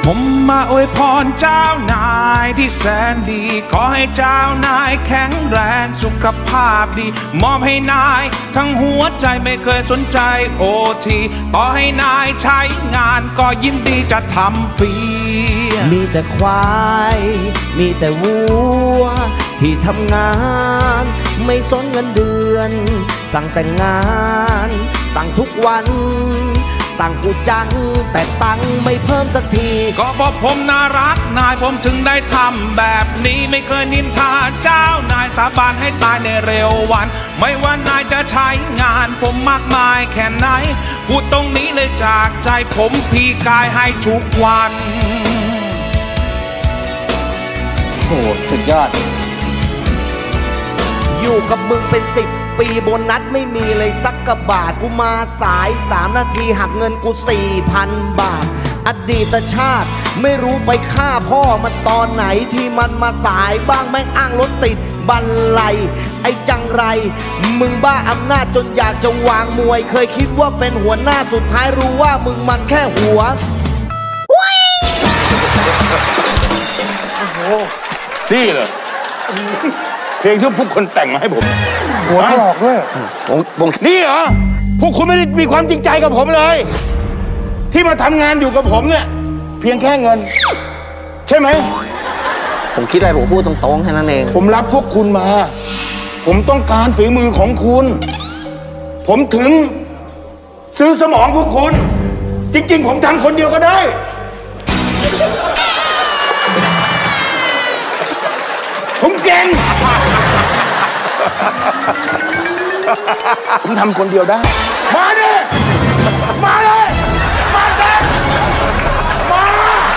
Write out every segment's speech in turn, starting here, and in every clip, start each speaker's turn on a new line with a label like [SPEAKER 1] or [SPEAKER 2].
[SPEAKER 1] ผมมาอวยพรเจ้านายที่แสนดีขอให้เจ้านายแข็งแรงสุขภาพดีมอบให้นายทั้งหัวใจไม่เคยสนใจโอทีต่อให้นายใช้งานก็ยินดีจะทำฟรี
[SPEAKER 2] มีแต่ควายมีแต่วัวที่ทำงานไม่สนเงินเดือนสั่งแต่งงานสั่งทุกวันสั่งกูจังแต่ตังไม่เพิ่มสักที
[SPEAKER 1] ก็เพราะผมน่ารักนายผมถึงได้ทำแบบนี้ไม่เคยนินทาเจ้านายสาบานให้ตายในเร็ววันไม่ว่านายจะใช้งานผมมากมายแค่ไหนพูดตรงนี้เลยจากใจผมพี่กายให้ทุกวัน
[SPEAKER 3] โอ้สุดยอด
[SPEAKER 2] อยู่กับมึงเป็น10 ปีโบนัสไม่มีเลยสักกะบาทกูมาสาย3 นาทีหักเงินกู 4,000 บาทอดีตชาติไม่รู้ไปฆ่าพ่อมันตอนไหนที่มันมาสายบ้างแม่งอ้างรถติดบันไลไอ้จังไรมึงบ้าอำนาจจนอยากจะวางมวยเคยคิดว่าเป็นหัวหน้าสุดท้ายรู้ว่ามึงมันแค่หัว
[SPEAKER 4] โอ้โหนี่เหรอเพลงที่พวกคนแต่งมาให้ผมหัวถลอกด้วยนี่เหรอพวกคุณไม่ได้มีความจริงใจกับผมเลยที่มาทำงานอยู่กับผมเนี่ยเพียงแค่เงินใช่ไหม
[SPEAKER 3] ผมคิดอะไรผมพูดตรงๆแค่นั้นเอง
[SPEAKER 4] ผมรับพวกคุณมาผมต้องการฝีมือของคุณผมถึงซื้อสมองพวกคุณจริงๆผมทำคนเดียวก็ได้ผมเก่งผมทำคนเดียวได้มาดิมาเลยมาเต็มมา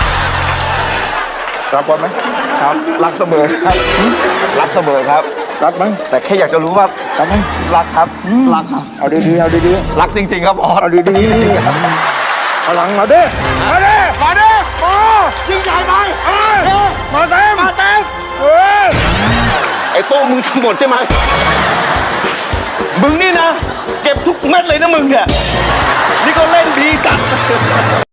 [SPEAKER 4] รักก่อนไหม
[SPEAKER 3] ครับรักเสมอครับรักเสมอครับ
[SPEAKER 4] รักไหม
[SPEAKER 3] แต่แค่อยากจะรู้ว่า
[SPEAKER 4] รักไหม
[SPEAKER 3] รักครับรักครับ
[SPEAKER 4] เอาดีๆเอาดี
[SPEAKER 3] ๆรักจริงๆครับออส
[SPEAKER 4] เอาดีๆพลังมาดิมาดิมาดิมายิ่งใหญ่ไปมาเต็มมาเต็ม
[SPEAKER 3] ไอ้โต้มึงทั้งหมดใช่ไหมมึงนี่นะเก็บทุกเม็ดเลยนะมึงเนี่ยนี่ก็เล่นดีจัด